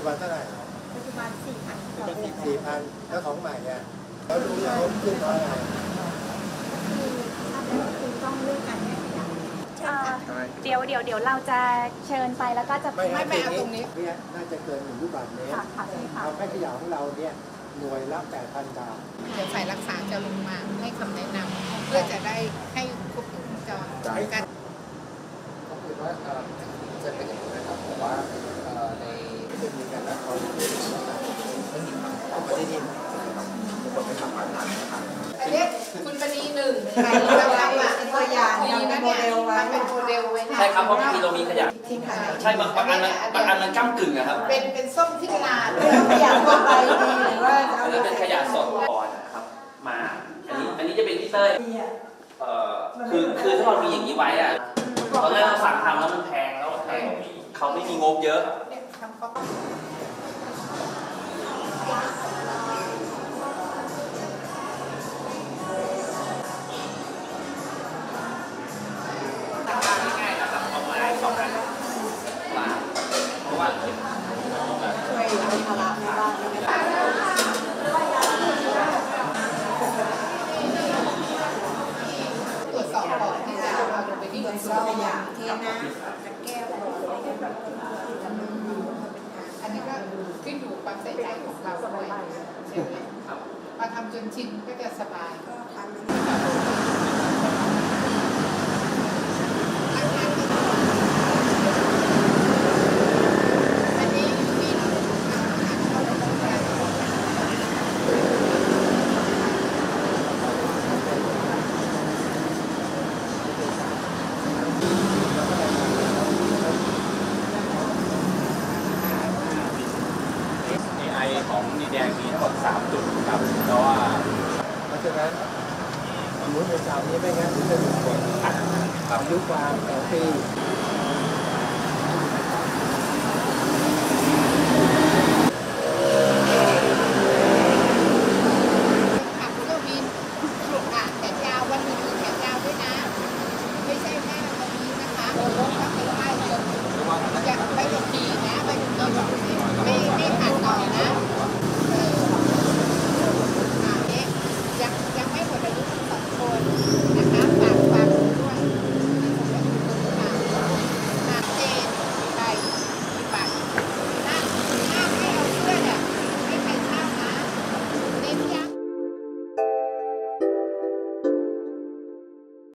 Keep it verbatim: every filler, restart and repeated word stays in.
บันเท่าไหร่ปัจจุบันสี่พันต่อเดือนสี่พันแล้วของใหม่เนี่ยแล้วรู้แล้วขึ้นเพราะอะไรคือทำแล้วคือต้องเลือกการแก้ขยะเดี๋ยวเดี๋ยวเดี๋ยวเราจะเชิญไปแล้วก็จะไม่ไม่เอาตรงนี้เนี่ยน่าจะเกินหนึ่งลูกบาศก์เมตรเอาแค่ขยะของเราเนี่ยหน่วยละแปดพันบาทเดี๋ยวฝ่ายรักษาจะลงมาให้คำแนะนำเพื่อจะได้ให้ครบวงจรกันก็คือว่าจะเป็นอย่างนี้นะครับผมว่าในจะมีการนัดเขาไม่มีความเอาประเด็นนี้ทุกคนไม่ทำงานหนักนะครับอันนี้คุณปณีหนึ่งใครเราทำอ่ะตัวอย่างมีนะเนี่ยมันเป็นโมเดลไว้ใช่ครับเพราะบางทีเรามีขยะใช่บางอันมันบางอันมันก้ากึ่งนะครับเป็นเป็นส้มที่นาขยะทั่วไปดีหรือว่าอันนี้เป็นขยะสดก่อนนะครับมาอันนี้อันนี้จะเป็นพี่เต้ยเอ่อคือคือถ้าเรามีอย่างนี้ไว้อะตอนแรกเราสั่งทำแล้วมันแพงแล้วแพงเขาไม่มีงบเยอะง่ายๆนะครับเอาไม้สองอันมาเพราะว่าช่วยลดภาระในบ้านตรวจสอบก่อนที่จะเอาลงไปที่กระทรวงขยะเทน้ำจะแก้วอันนี้ก็ขึ้นอยู่ความใส่ใจของเราด้วยใช่ไหมพอทำจนชินก็จะสบายของดีแดงมีทั้งหมดสามจุดครับเพราะว่าเพราะฉะนั้นสมมติในสามนี้ไม่งั้นจะถูกกดอายุความสองปี